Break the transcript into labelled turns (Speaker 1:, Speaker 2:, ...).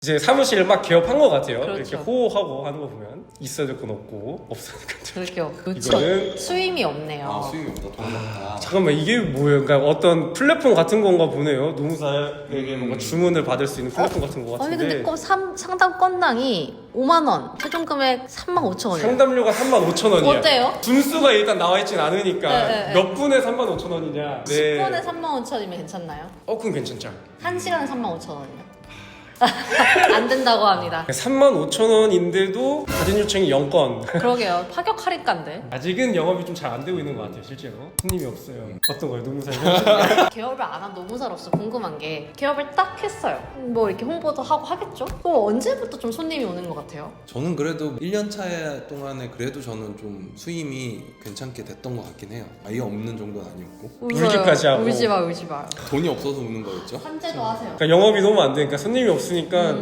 Speaker 1: 이제 사무실을 막 개업한 것 같아요.
Speaker 2: 그렇죠.
Speaker 1: 이렇게 호호하고 하는 거 보면 있어야 될 건 없고 없으니까.
Speaker 2: 그렇죠.
Speaker 1: 이거는
Speaker 2: 수임이 없네요.
Speaker 3: 아 수익이 없다. 돈 없다.
Speaker 1: 잠깐만 이게 뭐예요? 그러니까 어떤 플랫폼 같은 건가 보네요. 노무사에게 뭔가 주문을 받을 수 있는 플랫폼 같은 거
Speaker 2: 아니
Speaker 1: 같은데.
Speaker 2: 근데 상담 건당이 5만 원, 최종 금액 35,000원이에요.
Speaker 1: 상담료가 35,000원이야.
Speaker 2: 어때요?
Speaker 1: 분수가 일단 나와 있진 않으니까
Speaker 2: 네.
Speaker 1: 몇 분에 35,000원이냐.
Speaker 2: 10분에 35,000원이면 괜찮나요?
Speaker 1: 그럼 괜찮죠.
Speaker 2: 1시간에 35,000원이요? 안 된다고 합니다.
Speaker 1: 35,000원인데도 가진 요청이 0건.
Speaker 2: 그러게요. 파격 할인가인데.
Speaker 1: 아직은 영업이 좀 잘 안 되고 있는 것 같아요, 실제로. 손님이 없어요. 어떤 거예요, 노무사 현실?
Speaker 2: 개업을 안 한 노무사로서 궁금한 게 개업을 딱 했어요. 뭐 이렇게 홍보도 하고 하겠죠? 또 언제부터 좀 손님이 오는 것 같아요?
Speaker 3: 저는 그래도 1년 차 동안에 그래도 저는 좀 수임이 괜찮게 됐던 것 같긴 해요. 아예 없는 정도는 아니었고.
Speaker 1: 울기까지 하고.
Speaker 2: 울지 마, 울지 마.
Speaker 3: 돈이 없어서 우는 거였죠.
Speaker 2: 산재도 하세요.
Speaker 1: 그러니까 영업이 너무 안 되니까 손님이 없으니까